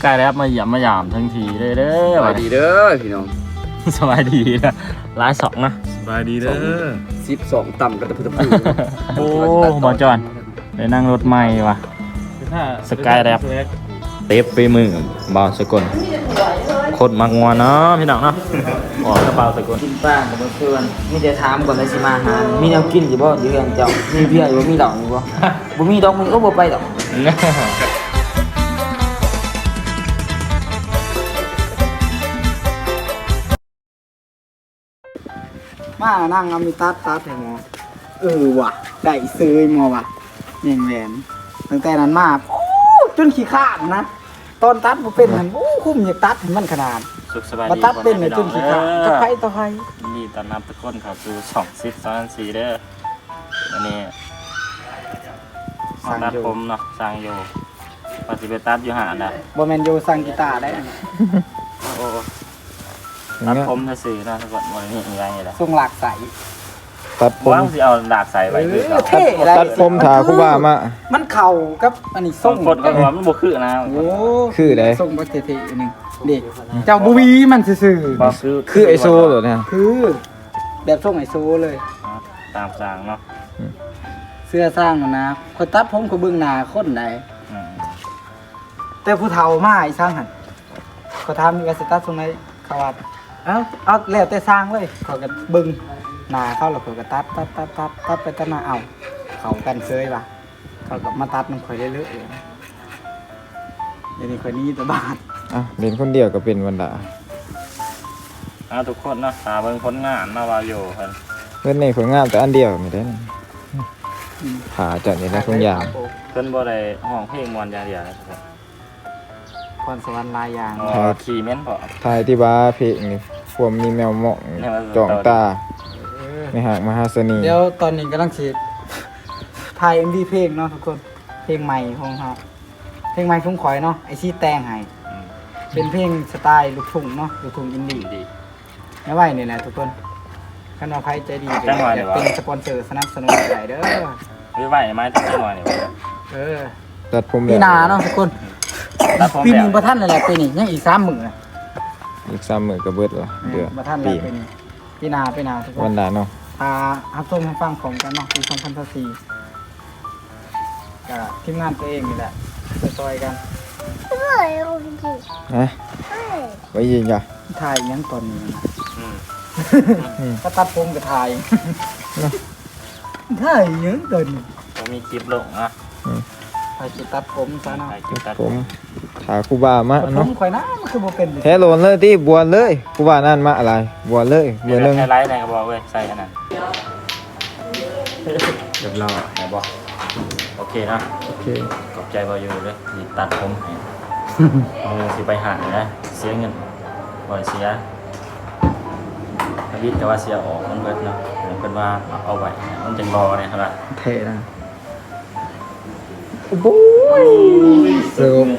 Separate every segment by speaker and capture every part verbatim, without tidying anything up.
Speaker 1: กายแล้วมาเหยียบมาหยามทั้งทีเด้อเด้อ
Speaker 2: สวัสดีเด้อพี่น้อง
Speaker 1: สบายดีนะร้ายสองนะ
Speaker 3: สบายดีเด้อ
Speaker 2: สิบสองต่ำกับตะพุตะปู
Speaker 1: โอ้หมอจอนได้นั่งรถใหม่ว่ะ สกายแรป เต็บไปมือบาวสกลโคตรมักงัวเนาะพี่น้องเนาะออกกระเป๋าสกล
Speaker 4: กินป้ากับเพื่อนมีแต่ถามก่อนเลยสิมาหามีแนวกินอยู่บ่อยู่เรือนเจ้ามีเบียร์อยู่บ่มีดอกอยู่บ่บ่มีดอกมึงก็บ่ไปดอกมานั่งเอามีตัดตัดให้หมอเออว่ะได้ซื้อหมอว่ะแม่งแหวนตั้งแต่นั้นมาโอ้จนขี้ข้านนะตอนตัดบ่เป็นนั่นโอ้คุ้มอยากตัดให้มันขนาด
Speaker 1: สุขสบายดี
Speaker 4: มาตัดเป็นเนี่ยจนขี้ข้านตะไคร้ตะไคร้
Speaker 1: นี่ตอนนับตะก้นครับคือสองสิบสองสี่เด้ออันนี้มาตัดผมเนาะสร้างอยู่ปฏิบัติตัดอยู่หาดอ่ะ
Speaker 4: บ่แม่นอยู่สั่งกีตาร์ได้
Speaker 1: โอ้ตัดผมซื่อๆเนาะทุกคนวันนี้มีอะไรล่ะ
Speaker 4: ทรงหลากใส
Speaker 3: ตัดผม
Speaker 1: ว่างสิเอาดาบใส่ไว้คือเขา
Speaker 4: เท่อะไร
Speaker 3: ตัดผมถาคุบ้ามา
Speaker 4: มันเข่ากับอันนี้
Speaker 1: ส่
Speaker 4: ส่
Speaker 1: ง
Speaker 4: ง
Speaker 1: คนก็ว่ามันบ่คือนะ
Speaker 4: โอ้
Speaker 3: คือได
Speaker 4: ส่งบักเท่ๆอันหนึงเด็กเจ้าบุวีมันซื่อ
Speaker 1: บ่คือ
Speaker 3: คือไอโซเหรอเนี่ย
Speaker 4: ๆคือแบบส่งไอโซเลย
Speaker 1: ตามสั่งเนาะ
Speaker 4: เสื้อสร้างมันนะคนตัดผมเขาเบิ่งหน้าคนใด
Speaker 1: อืม
Speaker 4: แต่ผู้เฒ่ามาไอ้สร้างหั่นเขาถามมีว่าสิตัดทรงไหนเขาว่าเอ้าเอาแล้วแต่สร้างเลยเขาก็เบิ่งหน้าเขาแล้วเขาก็ตัดตัดตัดตัดตัดไปตัดมาเอาเขากันเซยว่ะเขาก็มาตัดมันค่อยเรื่อยๆเดี๋ยวนี้ค่อยหนี้แต่บาท
Speaker 3: อ่ะเล่นคนเดียวก็เป็นวันดา
Speaker 1: เอาทุกคนเนาะหาเบิ่งผลงานมาว่าอยู่เพิ่น
Speaker 3: เพื่อนในผลงานแต่อันเดียวไม่ได้นี่ขาจัดนี่ได้ทุกอย่าง
Speaker 1: เพิ่นบ่ได้ห้องเพลงม่วนอย่างเดียวนะครับ
Speaker 4: พรสวรรค์ลายยาง
Speaker 1: อ๋อขี่เม้นพอ
Speaker 3: ทายที่บ้าเพลงนี่พวมมีแมวหมองจ่องตาในหากมหาเสน่ห์
Speaker 4: เดี๋ยวตอนนี้กำลังฉีดถ่าย เอ็ม วี เพลงเนาะทุกคนเพลงใหม่ของเราเพลงใหม่ทุ่งข่อยเนาะไอซี่แตงให้
Speaker 1: อืม
Speaker 4: เป็นเพลงสไตล์ลูกทุ่งเนาะลูกทุ่งอินดี้
Speaker 1: ดี
Speaker 4: ไม่ไหวนี่แหละทุกคนคันว่าใครใจดี
Speaker 1: จังหวะ
Speaker 4: อ
Speaker 1: เดี๋
Speaker 4: ยาย ก
Speaker 1: ว
Speaker 4: เป็นสปอนเซอร์สนับสนุนใหญ่เด้อ
Speaker 1: วิไหวไหมตัดหน่อยนี่
Speaker 4: เออ
Speaker 3: ตัดผม
Speaker 4: ปีหนาเนาะทุกคน
Speaker 1: ตัดผม
Speaker 4: ปีห
Speaker 1: แล้
Speaker 4: นึ่
Speaker 1: ว
Speaker 4: งประท่านนั่นแหละปีนี้ยังอีกสามหมื่น
Speaker 3: อีกสามหมื่นก็เบิดละเดือน
Speaker 4: ประท่าน
Speaker 3: ปี
Speaker 4: แล้วปีนี้ปีหนาปีหนาทุกค
Speaker 3: วัน นดาเนาะ
Speaker 4: พาฮับชมให้ฟังของกันเนาะปีสองพันสี่กับทีมงานตัวเองนี่แหละซอยๆกัน
Speaker 3: ฮะไว้ยิงจ้ะ
Speaker 4: ถ่ายยังตอนนี้นะ
Speaker 1: อืม
Speaker 4: ก็ตัดผมกับถ่ายถ่ายยังตอนนี้
Speaker 1: ผมมีคลิปลงนะ
Speaker 4: ถ่ายจุดตัดผมซะเนาะ
Speaker 1: ถ่ายคลิปตัด
Speaker 3: ผมถาคุบ้ามา
Speaker 4: ผ
Speaker 3: เนาะ
Speaker 4: มข่อยนะมันคือโบเป็นเลย
Speaker 3: แท้โลนเลยที่บวชเลยคุบ้านั่นมาอะไรบวชเลยบ
Speaker 1: เดี๋
Speaker 3: ว
Speaker 1: ยว
Speaker 3: ชหนึ่ง
Speaker 1: ไฮไลท์ในกระบอกเว้ยใส่อันนั้น
Speaker 3: เรียบร้อย
Speaker 1: ไหนบอกโอเคนะ
Speaker 3: โอเค
Speaker 1: ขอบใจบอยูเลยที่ตัดผมให้มือสิไปหานะเสียเงินบ่อยเสียพวิทย์แต่ว่าเสียออกมันเบิดเนาะเป็นว่าเอาไว้มันจังรอเนี่ยครับ
Speaker 4: เท่นะโอ้โหเสิร์ฟ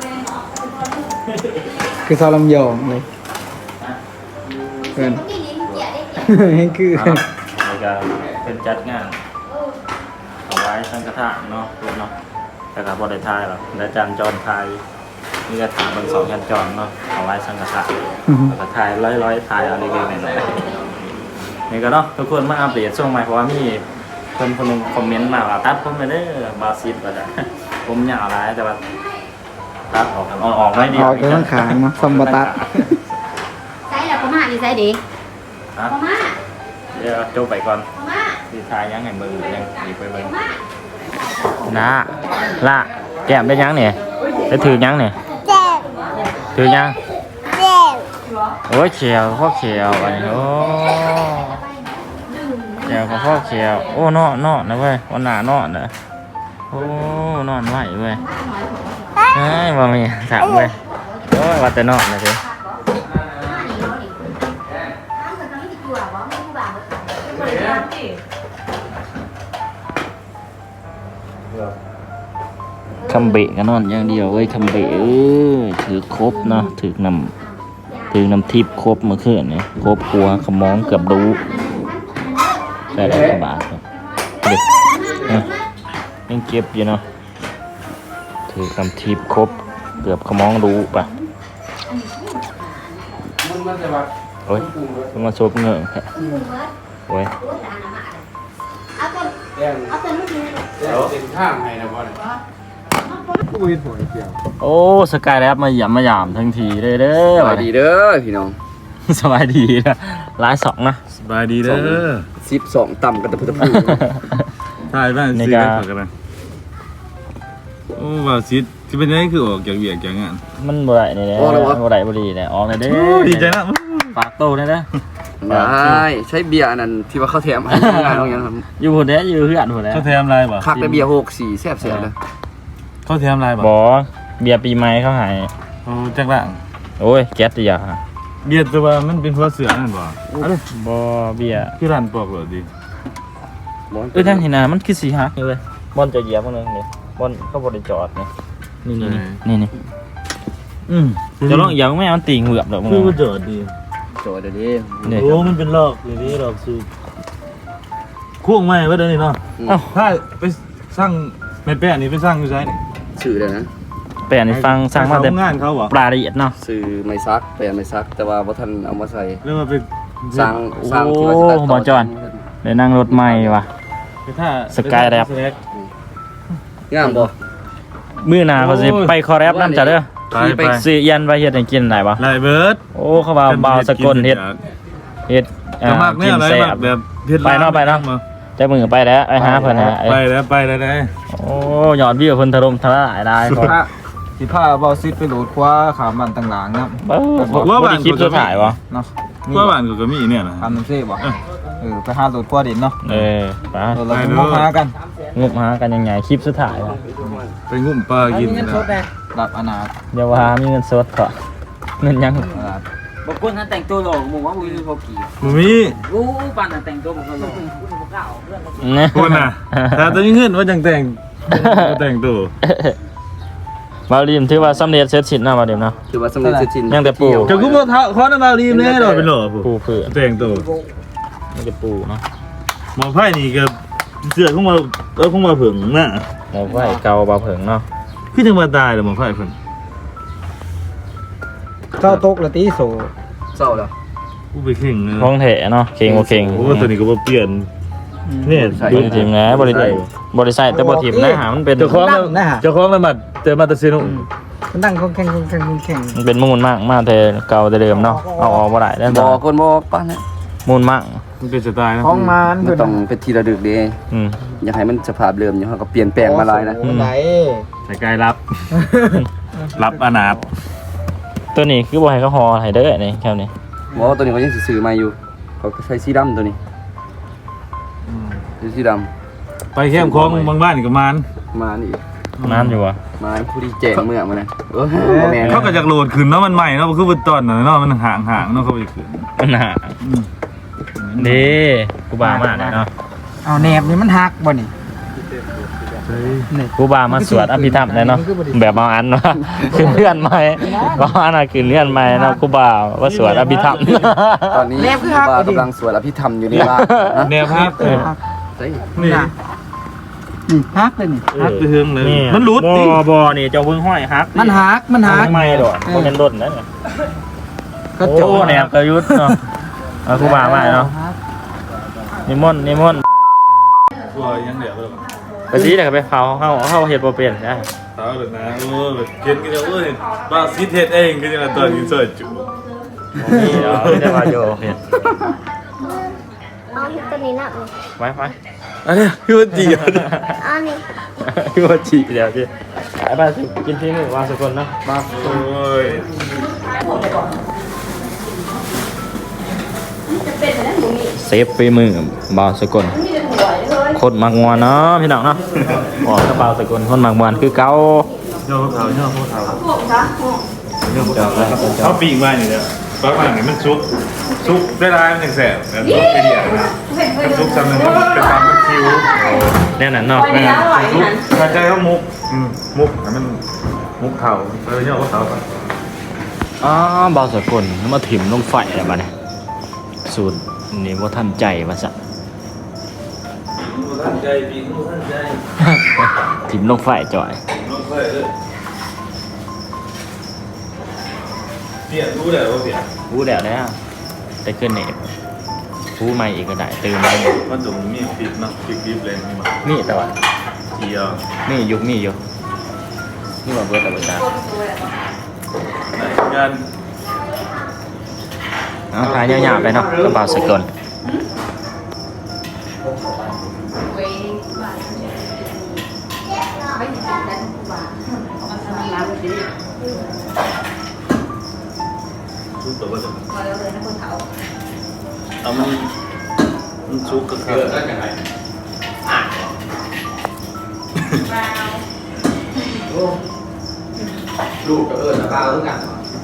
Speaker 4: คือซอลำยองเลยเกินให้คือ
Speaker 1: นี่ก็เป็นจัดงานเอาไว้สังฆทานเนาะเนาะแต่กับบริทายหรอกและจันจรไทยนี่ก็ถามบางสองจันจรเนาะเอาไว้สังฆทานแล้วก็ทายร้อยร้อยทายเอาเล็กๆหน่อยๆนี่ก็เนาะทุกคนมาอัปเดตช่วงใหม่เพราะว่ามีคนคนหนึงคอมเมนต์มาว่าตัดผมไปเด้อบาซิดว่าจะผมยาวหลายแต่ว่าตัดออกกันออกๆน้อยเดียว
Speaker 4: ออกไปข้างขางมาซัมบตัด
Speaker 5: ใส่แล้วก็มาอยู่ใส่ดิ
Speaker 1: ฮะ
Speaker 5: ก็มา
Speaker 1: เดี๋ยวโจบไปก่อน
Speaker 5: ก็มา
Speaker 1: สีทายยังไงมือยังหยิบไปเบิ่ง
Speaker 5: มา
Speaker 1: นะละแก้มได้ยังเนี่ยได้ถือยังเนี่ยถือยังโอ้ยเขียวพ่อเขียวอันนี้โอ้เขียวของพ่อเขียวโอ้นอนนอนนะเว้ยวันหน้านอนนะโอ้นอนไหวเว้ยเฮ้ยว่ามีถามเว้ยโอ้ยว่าแต่นอนนะสิคำเบะกันนอนอย่างเดียวเว้ยคำเบะเอ้ยถือครบเนาะถือนำถือนำทิพย์ครบเมื่อคืนนี่ครบครัวขมองเกือบดูได้ได้กระบาดครับเด็กเอ้ยยังเก็บอยู่เนาะถือนำทิพย์ครบเกือบขมองรู้ป่ะ
Speaker 2: มันมันจะว่า
Speaker 1: โอ้ยมันมาซบเงือกแฮะโอ้ย
Speaker 5: เอาตัว
Speaker 2: แดง
Speaker 5: เอาตัวลูกนี้
Speaker 2: แดงเต็มข้างให้นะบ่เนี่ยกูเห็นผลเดียว
Speaker 1: โอ้สกายแลบมาหยามมาหยามทั้งทีเลยเด้
Speaker 2: ส
Speaker 1: อ
Speaker 2: วัสดีเด้อพี่น้อง
Speaker 1: สบายดีนะร้ายสองนะ
Speaker 3: สบายดีเด้อ
Speaker 2: สิบสองต่ำกันตะพุตะพู
Speaker 3: ถ่ายบ้าน
Speaker 1: ใน
Speaker 3: ซี
Speaker 1: การ
Speaker 3: กันกันนะโอ้ว่าซิดที่เป็นยังไงคือออกจากเวียกจากงาน
Speaker 1: มันบ่ได้นี่แหละบ่ได้บ่ดีแหละออกเลยเด้
Speaker 3: โอ้ดีใจนะ
Speaker 1: ฝากโตได้เด้อ
Speaker 2: ได้ใช้เบียร์อันนั้นที่ว่าเขาแถมให้งานเอาอย่างนั้น
Speaker 1: อยู่หัวแด้อยู่เฮือนหัวแด้
Speaker 3: เขาแถมอะไรบ่
Speaker 2: คักแต่เบียร์หกสี่แซ่บเสียเลย
Speaker 3: เขาแถมอะไรบ่
Speaker 1: บ่เบียร์ปีใหม่เขาให้
Speaker 3: โอ้จักล่าง
Speaker 1: โอ้ยแก๊สติยา
Speaker 3: เบียดแต่ว่ามันเป็นหัวเสือนั่นบ่
Speaker 1: บ่เบียร์
Speaker 3: คือร้านปอกเหรอดี
Speaker 1: เอ้ยทางที่นามันคือสีหักนี่เว้ยบอลจะเหยียบมันนึงนี่บอลเขาบ่ได้จอดนี่นี่นี่นี่นี่อืมจะลองเหยียบแม่มันตีเหงือบดอกมึง
Speaker 3: คือว่าจอดดี
Speaker 2: โจทย์เดี๋ยวนี้
Speaker 1: นี่
Speaker 3: โอ้มันเป็นลอกอย่างนี้ลอกสูบคู่งไม้ไว้เดี๋ยวนี้เนาะ
Speaker 1: เอ้า
Speaker 3: ถ้าไปสร้างแม่แป้นนี่ไปสร้างอยู่ไสนี่
Speaker 2: สื่อเลยนะ
Speaker 1: แปลนี่ฟังสั่งมาแต่
Speaker 3: งานเขาบ่
Speaker 1: ปลาละเอียดเนาะ
Speaker 2: สื่อไม่ซักแปลไม่ซัก แต่ว่าบ่ทันเอามาใส่
Speaker 3: เรียกว่าไป
Speaker 2: สร้างสร้างที่ว่าจะตัดต่
Speaker 1: บ่จอนได้นั่งรถใหม่ว่ะ
Speaker 3: ไปท่า
Speaker 1: สกายแรป
Speaker 2: งามบ่
Speaker 1: มื้อหน้าเขาสิไปคอแรปนำจ้ะเด้อ
Speaker 3: ไปไป
Speaker 1: สิยันไปเฮ็ดให้กินได้บ่
Speaker 3: ไล่เบิร์ด
Speaker 1: โอ้เขาว่าบ่าวสกลเฮ็ดเฮ็ด
Speaker 3: กระมากเนี่ยอะไร
Speaker 1: แซ่
Speaker 3: แบบ บแบบเฮ็ด
Speaker 1: ไปเนาะไปเนาะ แต่มือไปแล้วไอ้หาเพิ่นฮะ
Speaker 3: ไปแล้วไปแล้วได้
Speaker 1: โอ้ยอดวิวเพิ่นถล่มทลายได้พอ
Speaker 4: พระสิพาเบาซิดไปโหลดคว้าขามบันต่างๆนะ
Speaker 1: เบ้อบ่ได้คลิปสุดท้ายวะ
Speaker 4: เนาะ
Speaker 3: ว่าบ้านกูก็มีเนี่ยนะ
Speaker 4: ทำน้ำเซ่บ่เออไปหาโหลดคว้าเด่นเนาะ
Speaker 1: เออไป
Speaker 4: เออเราไปมองหากัน
Speaker 1: งุบหากันยังไงคลิปสุดท้ายวะ
Speaker 3: ไปงุ่มปลากินนะ
Speaker 4: รับอนาถ
Speaker 1: เดี๋ยวว่ามีเงินสดก่อนเงินยัง
Speaker 4: อนาถ
Speaker 6: บอกคนนั้นแต่งตัวหล่อหมูว่าอุ้ยพอกี่
Speaker 3: มึงมี
Speaker 6: อู้ปันน่ะแต่งตัวบอกเขาหล่อ
Speaker 1: นะ
Speaker 3: คนน่ะแต่ตอนนี้เงินว่าจังแต่งแต่งตัว
Speaker 1: บาลีมถือว่าสำเร็จเสร็จสิ้นเนาะบาลีมเนาะ
Speaker 2: ถือว่าสำเร็จเสร็จสิ้น
Speaker 1: ยังแต่ปู่
Speaker 3: จะกูมาขอน้ำมารีมเลยหรอเป็นหล่อ
Speaker 1: ปูเพื่อ
Speaker 3: แต่งตัว
Speaker 1: นี่จะปูเนาะ
Speaker 3: หมอไพ่นี่กับเสือของมาเออของมาผึ่งน่ะ
Speaker 1: หมอไฟเกาเบาเผิงเนาะ
Speaker 3: คือจังมาตายเลยหมอไพ่เพิ่น
Speaker 4: เจ้าตกละตีโซ
Speaker 2: เศร้าแล้ว
Speaker 3: กูไปเข่งเลย
Speaker 1: คงแถเนาะเข่งบ่เข่ง
Speaker 3: โอ้ตัวนี้ก็บ่เปลี่ยนเนี่ย
Speaker 1: บริทีมนะบริษัทบริษัทแต่บริทีมนะหามันเป็น
Speaker 3: เจ้าของเจ้าของละหมัดเจอมาตะซินุ
Speaker 4: มันนั่งคงแข่งคงแข่งคงแข่ง
Speaker 1: มันเป็นมูลมากมากแต่เก่าแต่เดิมเนาะเอาออกบ่ได้แล้ว
Speaker 2: บ่คนบ่ป้าเนี่ย
Speaker 1: มูลมาก
Speaker 3: มันเป็นสไตล์นะ
Speaker 4: ห้องมัน
Speaker 2: มันต้องเป็นทีละดึกเด้
Speaker 1: อืม
Speaker 2: อยากให้มันสภาพเดิมอยู่เฮาก็เปลี่ยนแปลงมาหลายนะ
Speaker 4: ไหน
Speaker 3: ใส่กายรับ รับอนาถ
Speaker 1: ตัวนี้คือบ่ให้เขาฮอให้เด้อนี่แค่นี้
Speaker 2: บ่ตัวนี้เขายังสิซื้อมาอยู่เขาก็ใช้สีดำตัวนี้สีดำ
Speaker 3: ไปแคมป์ของบางบ้านกับมัน
Speaker 2: มานี่อีก
Speaker 1: นานอยู่วะ
Speaker 2: มาผู้ที่แจ้งเมื่อมานะเออบ่แม่น
Speaker 3: เขาก็จากโหลดขึ้นเนาะมันใหม่เนาะมันคือเป็นตอนน่ะเนาะมันห่างห่างๆเนาะเขาไปขึ้น
Speaker 1: มันหาดีกูบามากเนาะ
Speaker 4: เอาแหนบนี่มันหักบ่นี่นี่
Speaker 1: กูบามาสวดอภิธรรมเลยเนาะแบบเอาอันเนาะคือเลื่อนใหม่ก็อันน่ะคือเลื่อนใหม่เนาะกูบาว่าสวดอภิธรรม
Speaker 2: ตอนนี้ครูบากำลังสวดอภิธรรมอยู่นี่ว่า
Speaker 3: แนวภาพเออ
Speaker 2: ใช่
Speaker 3: นี่
Speaker 4: นี่หักเลยนี่
Speaker 3: ฮักไปเฮืองเลย
Speaker 1: นี่
Speaker 3: มันหลุด
Speaker 1: บ่
Speaker 3: ดิ
Speaker 1: บ่นี่เจ้าเพิ่งห้อยฮัก
Speaker 4: มันหักมันหัก
Speaker 1: ไม่ดอกบ่แม่นดนนั่นไง
Speaker 4: ก็
Speaker 1: โอ้
Speaker 4: จบ
Speaker 1: แนบกระยุทธ์เนาะเอากูบามากเนาะนิมนต์นิมนต์
Speaker 3: ตัวยังเดี๋ยวเลย
Speaker 1: ไปสิเดี๋ยวก็ไปเผาเฮาเฮาเฮ็ดบ่เป็นนะ
Speaker 3: เท้าเลยนะโอ้แบบเขียนกันแล้วเอ้ยบ้าซิเทสเองก็จะมาตอนนี้สวยจุ
Speaker 1: นี่เดี๋ยวไม่ได้มาโยเฮ็ด
Speaker 5: เอาตัวนี้นะ
Speaker 1: ไปไป
Speaker 3: อันนี้คือว่าดีอ่ะ
Speaker 5: เอานี่
Speaker 1: คือว่าจีเดี๋ยวจีไปไปสิกินที่มือวางสกุลเนาะ
Speaker 3: บ้าโอ้ย
Speaker 1: เซฟฝีมือบ่าวสกุลคนมักมวนเนาะพี่น้องเนาะอ๋อกระเป๋าสกุลคนมักมวนคือเก่า
Speaker 3: เจ้าเขาเจ้าเขาเท้าเจ้าเขาเขาปีกมาอย่างเดียวบางอย่างมันซุกซุกได้ร้ายมันอย่างแสบแต่ซุกไปเดียวนะซุกซ้ำหนึ่งมันเป็นตามมันคิว
Speaker 1: แน่นอนเนาะ
Speaker 3: แม่ซุกกระจายเขามุกอืมมุกมันมุกเข่าเออเนี่ยเขาเท้าก่อน
Speaker 1: อ๋อบ่าวสกุลมาถิ่มลงไฟอะไรบ้าเนี่ยสูตรนี่ว่าทันใจว่าซะ
Speaker 3: ท่านใจปีกท่านใจ
Speaker 1: ถิ่มลงไฟจ่อย
Speaker 3: ลงไปเลยลี่ยนรู้เลยว่าเปลี่ยน
Speaker 1: รู้แล้วแล้วได้ขึ้นเน็ตรู้ใหม่อีกก็ได้ตื่นได้
Speaker 3: มันตรงมีฟิตเนาะฟิตดิฟเลยนี่มา
Speaker 1: นี่แต่ว่า
Speaker 3: เที่ยว
Speaker 1: นี่ยุคนี่อยู่นี่ว่าเบิร์ดแต่เบิร์ดจ้า
Speaker 3: ไหนกัน
Speaker 1: เอาทายยาวๆไปเนาะกระเป๋าสกล
Speaker 3: ชุดตัวก็จะเอามันมันชุกก็คือได้ยังไง
Speaker 2: ลูกกับเอิญนะป้าเอิญกัน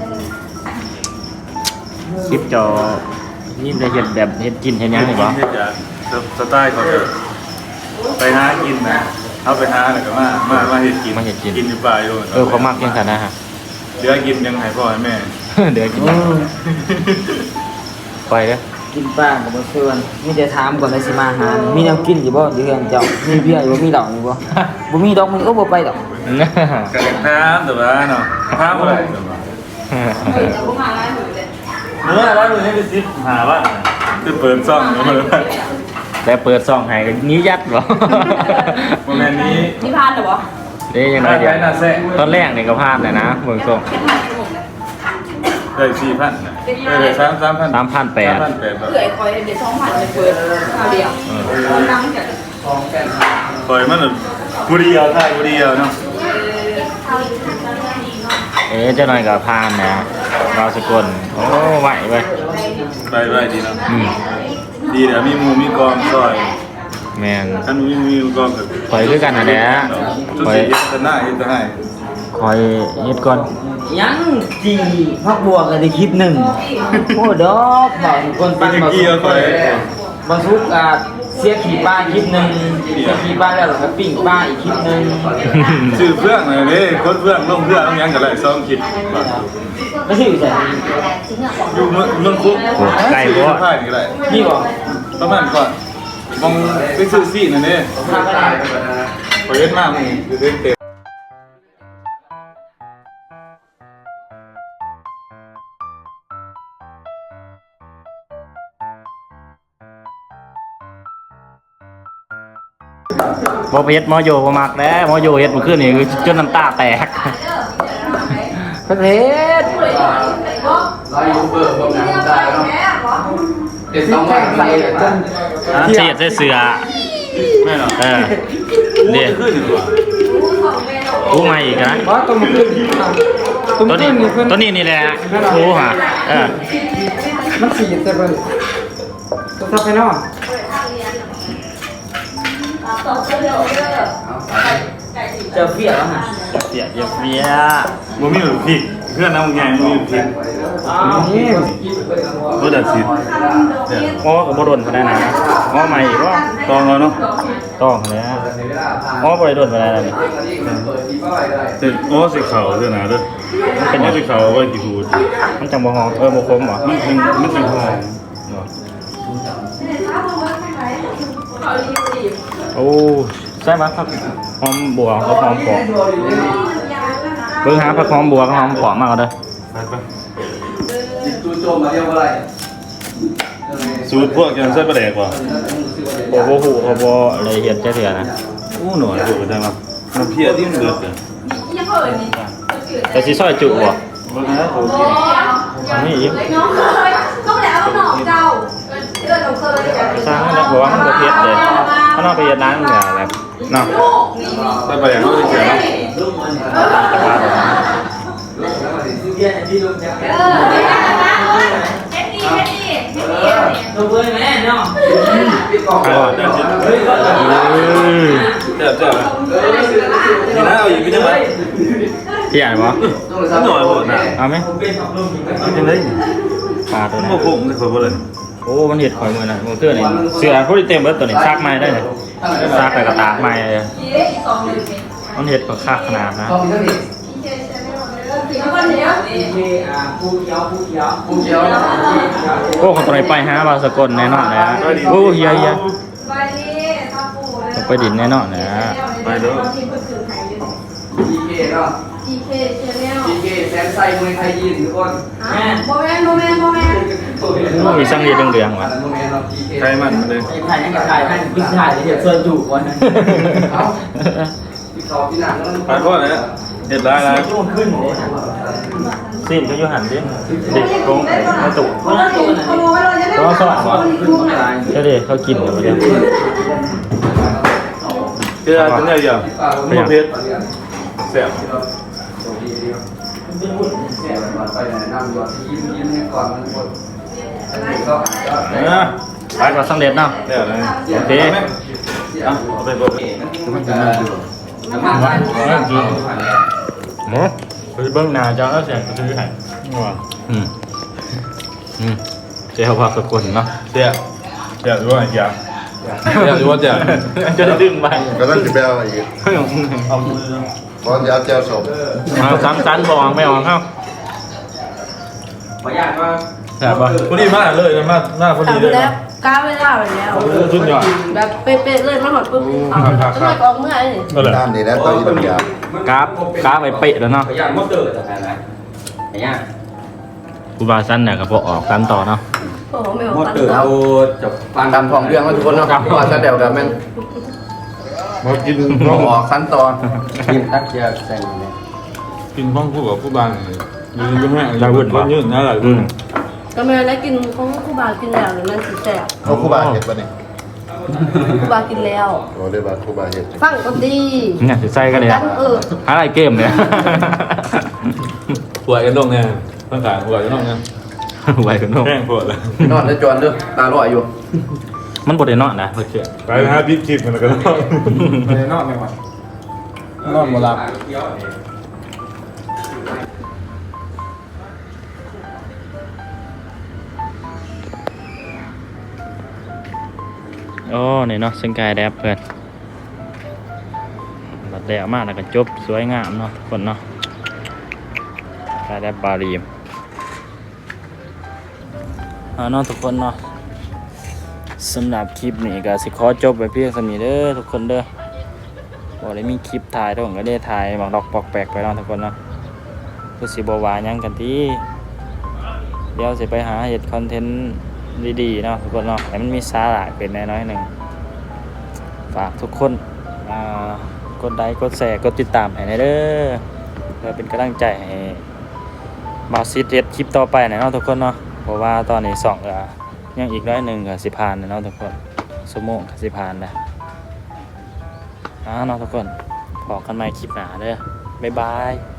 Speaker 1: คลิปจอนี่ได้เห็นแบบเห็นกินเห็นยังหรือเปล่า
Speaker 3: เฮ็ดจากสไตล์เขาจะไปหากินนะเอาไปหาแล้วก็มามามาเฮ็ดกินกินอยู่ป่าอยู่
Speaker 1: เออเขามักยังไงนะฮะ
Speaker 3: เหลือกินยังให้พ่อให้แม่
Speaker 1: เดี๋ยวกินไปเลย
Speaker 6: กินป้ากับบ่ชวนมีแต่ถามก่อนได้สิมาหามีแนวกินอยู่บ่อยู่เฮือนเจ้ามีเบียร์อยู่บ่มีเหล้าอยู่บ่บ่มีดอกมึงก็บ่ไปดอก
Speaker 3: กระน้ำแต่ว่าเนาะน้ำอะไรเมื่อร้านมือให้ไปซิปหาว่าจะเปิดซ่องมาเลย
Speaker 1: แต่เปิดซองให้ก็นี้ยัดบ่
Speaker 3: โมเมนต์นี้
Speaker 7: นี่พานเหรอวะ
Speaker 1: เด้ยังไงเดี๋ยวตอนแรกนี่ก็พลาดเลยนะเบิ่งส่ง
Speaker 3: ได้สี่พันนะได้สามสามพัน
Speaker 1: สามพันแปด
Speaker 3: สามพันแปด
Speaker 7: เผื่อไอ้คอยเดี๋ยวสองพันจะเปิดคราวเดียวนั่งจาก
Speaker 3: ปล่อยมันบุรีเอาท่ายบุรีเอาเนาะ
Speaker 1: เอ๊ะเจ้าหน่อยกับพานนะเราสกลโอ้ไหวเว้ย
Speaker 3: ไปไปดีเนาะ
Speaker 1: อืม
Speaker 3: ดีเดี๋ยวมีหมูมีกองซอย
Speaker 1: แมน
Speaker 3: ท่านมีมีกองกับ
Speaker 1: คอยคือกันนะแด้
Speaker 3: ชุด
Speaker 1: คอย
Speaker 3: สีเย็นจะหน้าเย็นจะให้
Speaker 1: คอยเฮ็ดก่อน
Speaker 6: ยังจีพักบัวก็ได้คลิปหนึ่งโอ้ดอกบ่าวคน
Speaker 3: ไป
Speaker 6: ปั้น
Speaker 3: ถึง
Speaker 6: บ่าว
Speaker 3: กี่
Speaker 6: สุ
Speaker 3: เอา
Speaker 6: ก
Speaker 3: ไป
Speaker 6: บ่าวสุกอ่ะเสียขี่ป้าคลิปหนึ่งเสียขี่ป้าแล้วก็ปิ้งป้าอีกคลิปหนึ่ง
Speaker 3: ซื้อเพื่องเลยนี่คนเพื่องลงเพื่องต้องยังกันเลยซ้อมคิด
Speaker 6: ไม่ใช่อยู่ไหน
Speaker 3: อยู่เมืองเมืองคุกซื้อผ้าอย่างไร
Speaker 6: นี่บ่
Speaker 3: ประมาณก่อนมองไปซื้อซีนั่นนี่ไปเล่นมากมึงเล่นเต็ม
Speaker 1: บ่ไปเฮ็ดหมอโยบ่มักแล้วหมอโยเฮ็ดเมื่อคืนนี่คือจนน้ำตาแตก
Speaker 6: ประเทศ
Speaker 2: เราอยู่เบอร์พวกนั้นได้เนาะเด็ดสองวันใส่จน
Speaker 1: เสียดใส่เสือ
Speaker 3: ไม่หรอก
Speaker 1: เออเดี๋ยว
Speaker 3: ขึ้นดีกว่า
Speaker 1: กูมาอีกนะ
Speaker 4: เพราะตัวมันขึ้นตัวมั
Speaker 1: ตัวน นี้
Speaker 4: ขึ้นนี่เพิ่น
Speaker 1: ตัวนี้นี่แหละกูฮะเออ
Speaker 4: มันสีแต่เบิ่งตัวทับไปเนาะ
Speaker 6: เจ้าเฟี้ยแล้วฮะ
Speaker 1: เสียเยียบเบีย
Speaker 3: บ่มีหรือพริกเพื่อนน้ำไงบ่มีหรือพริก
Speaker 4: นี่
Speaker 3: ก็ดัดสิ
Speaker 1: หมอกับบ่โดนเขาได้นะหมอใหม่อีกว่า
Speaker 3: ตองเราเนาะ
Speaker 1: ต้องแล้วหมอบ่ได้โดนไปแล้วนี่
Speaker 3: แต่โอ้สีขาวเด้อนะเด้อเป็นสีขาวไว้กี่ทูด
Speaker 1: มันจังบ่หอมเออบ่คมบ่
Speaker 3: มันเป็นมันเป็นหอม
Speaker 1: โอ้ใช่ไหมครับหอมบัวกับหอมปอกเบิ่งหาผักหอมบัวกับหอมปอกมาเอาเด้อ
Speaker 3: ไปไป
Speaker 2: จู่โจมมาเรียกว่าอะไร
Speaker 3: สูตรพวกยังใส่ปลาแดกว่ะ
Speaker 1: โอ้โหหูเขาบ่เลยเฮ็ดจักเทื่อนะ
Speaker 3: อู้หน่อยดูได้มั้ยมันเพี้ยที่มันเดือดเลย
Speaker 7: ยังเปิดนี่
Speaker 1: แต่สิซอยจุบ่
Speaker 3: บ่นะโอเค
Speaker 1: อันนี้อีก
Speaker 7: น้องเคยต้องแล้วหนอกเจ้าเดือดเราเคย
Speaker 1: สร้างแล้วบอกว่ามันบ่เผ็ดเลยถ้าเราไปเฮ็ดร้านมันก็แบบเนาะ
Speaker 3: ใส่ปลาแดกเขาจะเขียนเนาะ
Speaker 1: แต่ว่าแบบนั้น
Speaker 6: เบียร์ที่ลงจาก
Speaker 7: เออไม่ได้นะเฮ็ดดีเฮ็ดดีเฮ็ดดีเนี่ย
Speaker 6: ตัวเว้ยแม่เนาะ
Speaker 3: อ๋อได้จิต
Speaker 1: เออ
Speaker 3: เจ็บเจ็บนี่นะเอาอีกพี่จังไง
Speaker 1: พี่ใหญ่บ่
Speaker 3: หน่อยหมดนะ
Speaker 1: เอาไหม
Speaker 3: เอาจังได๋
Speaker 1: ปลาตัว
Speaker 3: มัน
Speaker 1: นี้
Speaker 3: บ่คงเลยขอบ่เลย
Speaker 1: โอ้มันเห็ดข่อยมือนะมือเตื้อนี่เสือพวกนี้เต็มเบิดตัวนี้ซากไม้ได้เลยซากไปกระตากไม้เลย
Speaker 7: สองหนึ่งเนี่ย
Speaker 1: มันเห็ดก็ค่าขนาดนะ
Speaker 2: ต้องมีเท่านี้
Speaker 7: แล้วก็เนี้ย
Speaker 6: เออ่าผู้เขียวผู้เขียว
Speaker 2: กูเจียว
Speaker 1: โอ้ของตัวนี้ไปหาบาสกลแน่นอนนะโอ้เฮียเฮีย
Speaker 7: ไปดิข้าวปู
Speaker 1: ต้องไปดินแน่นอนนะ
Speaker 3: ไปเด้อ
Speaker 2: ดีเคเนาะ
Speaker 7: ดีเคเชนแนล
Speaker 2: ดีเคแสนไส้มวยไทยยินทุกคน
Speaker 7: โมเมนต์โมเมนต์โมเมนต์
Speaker 1: โอ้มีช่างดีเดืองๆว่ะ
Speaker 3: ใครมันเลย
Speaker 6: ไอ้ไผ่ยังกับไผ่ให้พิซซ่าเดี๋ยวเชิญจูบก่อน
Speaker 2: เอาที่เขาที่หนัง
Speaker 3: ไปพ่อเลยเด็ดร้ายร้าย
Speaker 6: ช่วงขึ้นเลย
Speaker 1: ซีนเขาอยู่หันดิเด็กโกงไอ้ตุก
Speaker 7: ขโมยเลยจะได้
Speaker 1: ก็สว่างว่ะเจ้าเด็กเขากินอยู่ประเดี๋ยว
Speaker 3: เจ้าเป็นไงอย่างมะเพชรแซ่บ
Speaker 2: ไปไหนนั่งยอดยิ้มยิ้มให้ก่อนมันหมดก็
Speaker 3: นะ
Speaker 1: ไปก่อนสำเร็จเนาะ
Speaker 3: เดี๋ยวนะ
Speaker 1: โอเค
Speaker 3: เอาเอาไปเบิก
Speaker 2: น้ำมันหวาน
Speaker 1: หมูไปเบิ้งหน้าเจ้าแล้วเสียงก็ซื้อให้
Speaker 3: ว่า
Speaker 1: อืมอืมเจ้าว่าสกุลเนาะ
Speaker 3: เสียเสียด้วยอีกอย่างเสียด้วยเสีย
Speaker 1: จะดึงไป
Speaker 8: ก็ต้องจะไปเอาอีก
Speaker 3: เอามือ
Speaker 8: เพราะจะเอาแจวสม
Speaker 1: มาซ้ำซันบองไม่ออกเข้า
Speaker 6: ขออนุญาตว่า
Speaker 1: แซ่บป่ะ
Speaker 3: พอดีมากเลยนะมากหน้าพอดี
Speaker 7: ทำ
Speaker 3: เล
Speaker 7: ไป
Speaker 3: ย
Speaker 7: แล้วก้าวไปแล้วไปแล้ว
Speaker 3: ชุดยอด
Speaker 7: แบบเป๊ะๆเลยมาหอดปุ๊บเอาเมื่อออกเมื่อนี่
Speaker 3: ก็เลย
Speaker 8: ด้านนี้แล้วตัวอีกอย่าง
Speaker 1: กราฟกราฟไปเป๊ะแล้วเนาะ
Speaker 6: ขออนุญาตมดเตอร์แต่ไหนนะขออนุญาต
Speaker 1: กูบาสั้นเนี่ยกับพวกออกกันต่อเนาะ
Speaker 7: โอ้โหไม่ออก
Speaker 6: มด
Speaker 7: ตัน
Speaker 6: เตอร์
Speaker 7: ตัว
Speaker 6: เอา
Speaker 2: จบฟังตามของเรื่องแล้วทุกคนเนาะก่อนจะเดี๋ยวกันแม่ง
Speaker 3: มากิน
Speaker 2: ต้
Speaker 3: ข้า
Speaker 2: อ
Speaker 3: ว
Speaker 2: งออกขั้นตอนกินตักเจียใส่เนี่ย
Speaker 3: กินข้าวคู่กับผู้บ้านเลยยืนแม่คนยืนนะหลาย
Speaker 1: อื
Speaker 3: คน
Speaker 1: ม
Speaker 7: ก็ไม่ได้กินของครูบากินแล้วหรือมันสีแสบ
Speaker 8: เขาคู่บาเห็ดปะนี่
Speaker 7: ครูบากินแล้ว
Speaker 8: โอ้ได้บาคู่บาเห็ด
Speaker 7: ฟังก็ดี
Speaker 1: เนี่ยจะใส่กันเลย
Speaker 7: กันเออ
Speaker 1: อะไรเกมเนี่ย
Speaker 3: ป่วยกันตรงเนี่ยร่างกายป่วยกันตรงเนี่ย
Speaker 1: ไหวกันโน่
Speaker 3: แห้งปวดเลย
Speaker 2: นอนแล้วจวนเด้อตาลอยอยู่
Speaker 1: มันบดได้นอนนะเพื่อนเชื่อ
Speaker 3: ไปนะฮะบิ๊กคลิปกันแล้วกัน
Speaker 4: ไม่ได้นอนไม่ไหว นอนบ่หลับ
Speaker 1: โอ้นี่เนาะซึ่งกายแดบเพื่อนบัดแดดมากแล้วก็จบสวยงามเนาะทุกคนเนาะกายแดบบารีมอ่าเนาะทุกคนเนาะสำหรับคลิปนี้ก็สิขอจบไปเพียงสำนี้เด้อทุกคนเด้อบอกเลยมีคลิปถ่ายทุกคนก็ได้ถ่ายบางดอกปอกแปลกไปเนาะทุกคนเนาะคือสิบวาหยังกันที่เดี๋ยวสิไปหาเห็ดคอนเทนต์ดีๆเนาะทุกคนเนาะแต่มันมีสาระเป็นน้อยๆหนึ่งฝากทุกคนอ่ากดไลค์กดแชร์กดติดตามให้หน่อยเด้อเพื่อเป็นกำลังใจให้บาวซิดเฮ็ดคลิปต่อไปหน่อยเนาะทุกคนเนาะเพราะว่าตอนนี้สองก็ยังอีกน้อยหนึ่งก็สิผ่านเนาะทุกคนสมองก็สิผ่านนะอ่าเนาะทุกคนพอกันใหม่คลิปหน้าเด้อบ๊ายบาย